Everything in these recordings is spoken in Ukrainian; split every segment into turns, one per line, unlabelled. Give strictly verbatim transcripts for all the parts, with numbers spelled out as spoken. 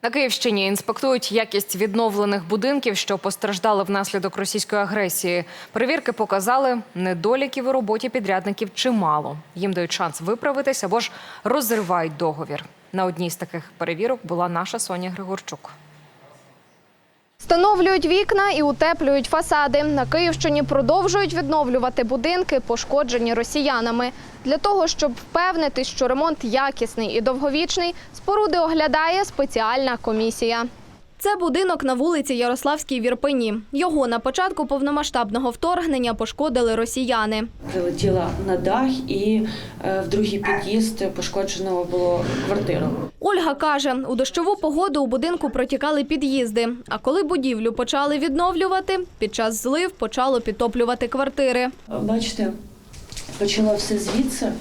На Київщині інспектують якість відновлених будинків, що постраждали внаслідок російської агресії. Перевірки показали, недоліків у роботі підрядників чимало. Їм дають шанс виправитись або ж розривають договір. На одній з таких перевірок була наша Соня Григорчук.
Встановлюють вікна і утеплюють фасади. На Київщині продовжують відновлювати будинки, пошкоджені росіянами. Для того, щоб впевнитись, що ремонт якісний і довговічний, споруди оглядає спеціальна комісія. Це будинок на вулиці Ярославській в Ірпені. Його на початку повномасштабного вторгнення пошкодили росіяни.
Прилетіла на дах і в другий під'їзд пошкоджено було квартиру.
Ольга каже, у дощову погоду у будинку протікали під'їзди. А коли будівлю почали відновлювати, під час злив почало підтоплювати квартири.
Бачите, почало все звідси.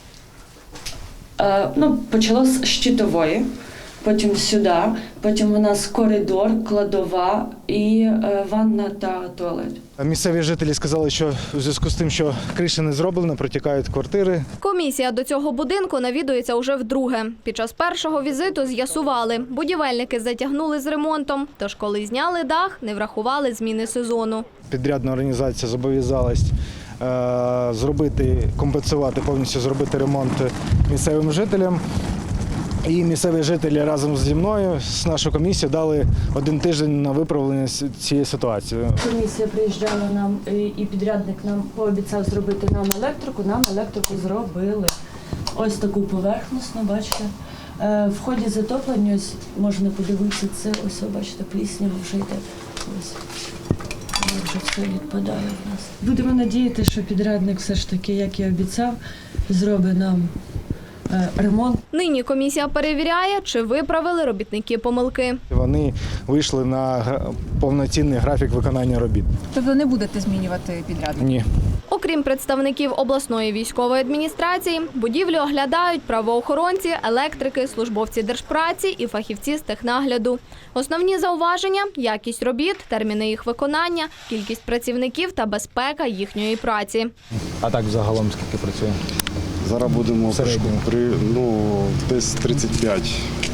Ну, почало з щитової. Потім сюди, потім у нас коридор, кладова і ванна та туалет.
Місцеві жителі сказали, що у зв'язку з тим, що криша не зроблена, протікають квартири.
Комісія до цього будинку навідується уже вдруге. Під час першого візиту з'ясували, будівельники затягнули з ремонтом, тож коли зняли дах, не врахували зміни сезону.
Підрядна організація зобов'язалась е, зробити, компенсувати, повністю зробити ремонт місцевим жителям. І місцеві жителі разом зі мною, з нашою комісією, дали один тиждень на виправлення цієї ситуації.
Комісія приїжджала нам і підрядник нам пообіцяв зробити нам електрику, нам електрику зробили. Ось таку поверхностну, бачите. В ході затоплення, ось можна подивитися, це ось, бачите, пліснява вже йде. Ось. Вже все відпадає в нас. Будемо надіятися, що підрядник все ж таки, як і обіцяв, зробить нам ремонт.
Нині комісія перевіряє, чи виправили робітники помилки.
Вони вийшли на повноцінний графік виконання робіт.
Тобто не будете змінювати підрядника?
Ні.
Окрім представників обласної військової адміністрації, будівлю оглядають правоохоронці, електрики, службовці держпраці і фахівці з технагляду. Основні зауваження – якість робіт, терміни їх виконання, кількість працівників та безпека їхньої праці.
А так загалом скільки працює?
Зараз будемо при, ну, десь тридцять п'ять.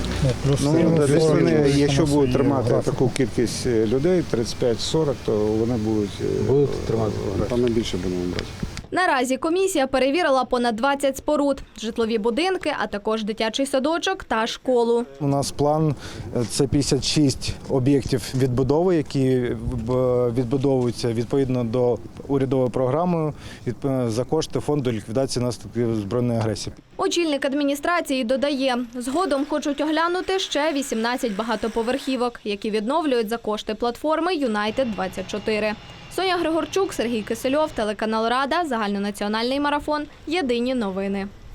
Ну, десь вони, якщо будуть тримати таку кількість людей, тридцять п'ять сорок, то вони будуть,
Будуть тримати.
Там ми більше будемо брати.
Наразі комісія перевірила понад двадцять споруд, житлові будинки, а також дитячий садочок та школу.
У нас план – це п'ятдесят шість об'єктів відбудови, які відбудовуються відповідно до урядової програми за кошти фонду ліквідації наслідків збройної агресії.
Очільник адміністрації додає, згодом хочуть оглянути ще вісімнадцять багатоповерхівок, які відновлюють за кошти платформи Юнайтед двадцять чотири. Соня Григорчук, Сергій Кисельов, телеканал Рада, загальнонаціональний марафон. Єдині новини.